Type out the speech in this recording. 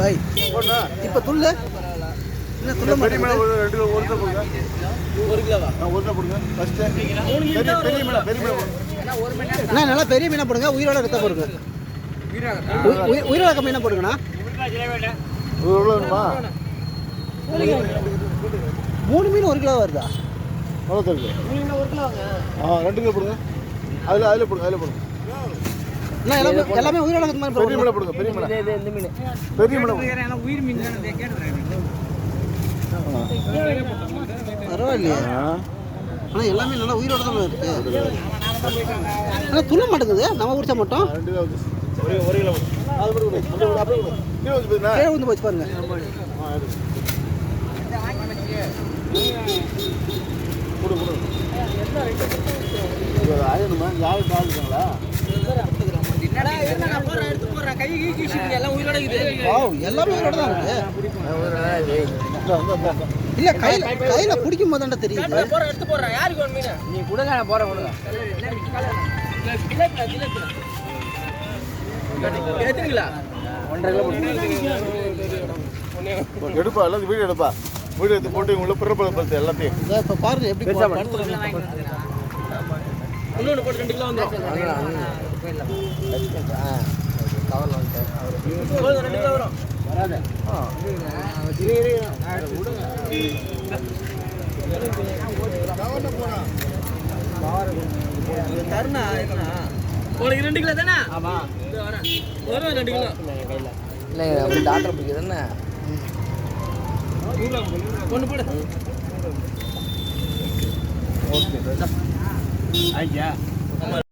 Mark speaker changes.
Speaker 1: பாய் இப்போ துள்ளு என்ன துள்ள
Speaker 2: பெரிய மீன் ஒரு கிலோ போடுங்க.
Speaker 3: 1 கிலோவா?
Speaker 2: 1 கிலோ போடுங்க ஃபர்ஸ்ட். பெரிய மீன்
Speaker 1: அண்ணா நல்லா பெரிய மீனை போடுங்க, உயிரோட ரத்த போடுங்க. உயிரோட மீனை போடுங்கண்ணா.
Speaker 2: எவ்வளோ வேணுமா?
Speaker 1: 3 மீன் 1 கிலோ வருதா?
Speaker 2: எவ்வளோ தருது?
Speaker 1: 3 மீன் 1 கிலோ வாங்க.
Speaker 2: 2 கிலோ போடுங்க. அதில் போடுங்க.
Speaker 1: அண்ணா எல்லாமே உயிரோட ரத்த மாதிரி
Speaker 2: பெரிய மீனை போடுங்க. பெரிய மீன் பெரிய மீன்
Speaker 3: உயிர் மீன் கேட்டுறேன்.
Speaker 1: பரவாயில்லையா? ஆனால் எல்லாமே நல்லா உயிரோட தான் இருக்கு. ஆனால் துள்ள மாட்டேங்குது, நம்ம குடிச்சா மட்டும்
Speaker 2: 2 கிலோ ஒரு கிலோ அது
Speaker 1: கீழே வந்து போச்சு பாருங்க.
Speaker 2: ஆயிரமா யாரும் பாதுங்களா?
Speaker 1: எல்லாமே உயிரோட தான் இருக்கு. இல்ல கையில பிடிக்கும் போது தான் தெரியுது.
Speaker 3: நீ கொடுங்க, நான் போறேன். கொடுங்க. எதுங்களா? 1.5 கிலோ
Speaker 2: எடுப்பா, எல்லாத்தையும் வீடியோ எடுப்பா. வீடியோ எடுத்து போட்டு உங்களை பிறப்பு எல்லாத்தையும்
Speaker 1: இப்போ பாருங்க எப்படி
Speaker 3: இன்னொன்று போட்டு 2 கிலோ வந்துடும். 2 கிலோ வரும். வராது. தருணா உனக்கு 2 கிலோ தானே? ஆமா வரும் 2 கிலோ. இல்லை டாக்டர் பிடிக்குது தானே? ஒன்று போடு. ஓகே ஐயா.